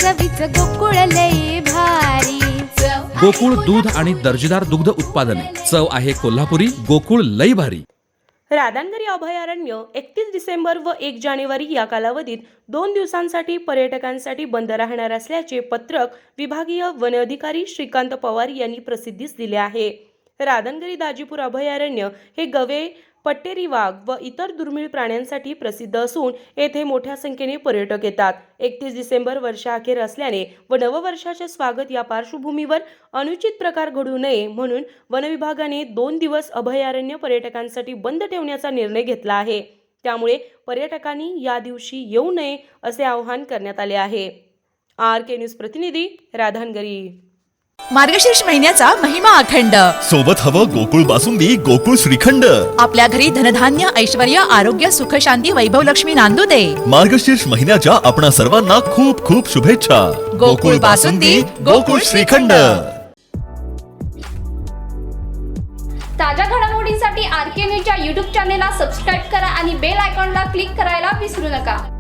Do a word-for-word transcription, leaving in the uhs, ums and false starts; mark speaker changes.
Speaker 1: चवीच गोकुळ लई भारी।
Speaker 2: गोकुळ दूध आणि दर्जेदार दुग्ध उत्पादने, चव आहे कोल्हापुरी, गोकुळ लई भारी।
Speaker 3: राधानगरी अभयारण्य एकतीस डिसेंबर व एक जानेवारी या कालावधीत दोन दिवसांसाठी पर्यटकांसाठी बंद राहणार असल्याचे पत्रक विभागीय वन अधिकारी श्रीकांत पवार यांनी प्रसिद्धीस दिले आहे। राधानगरी दाजीपूर अभयारण्य हे गवे, पट्टेरी वाघ व इतर दुर्मिळ प्राण्यांसाठी प्रसिद्ध असून येथे मोठ्या संख्येने पर्यटक येतात। एकतीस डिसेंबर वर्षाअखेर असल्याने व नववर्षाचे स्वागत या पार्श्वभूमीवर अनुचित प्रकार घडू नये म्हणून वन विभागाने दोन दिवस अभयारण्य पर्यटकांसाठी बंद ठेवण्याचा निर्णय घेतला आहे। त्यामुळे पर्यटकांनी या दिवशी येऊ नये असे आवाहन करण्यात आले आहे। आर के न्यूज प्रतिनिधी, राधानगरी।
Speaker 4: मार्गशीर्ष महिन्याचा महिमा अखंड,
Speaker 5: सोबत हवं गोकुळ बासुंदी, गोकुळ श्रीखंड।
Speaker 4: आपल्या घरी धनधान्य, ऐश्वर्य, आरोग्य, सुख, शांती, वैभव, लक्ष्मी नांदू दे।
Speaker 5: मार्गशीर्ष महिन्याच्या आपणा सर्वांना खूप खूप शुभेच्छा।
Speaker 4: गोकुळ बासुंदी, गोकुळ श्रीखंड।
Speaker 6: ताज्या घडामोडींसाठी आर के न्यूजच्या यूट्यूब चॅनेलला सबस्क्राईब करा आणि बेल आयकॉनला क्लिक करायला विसरू नका।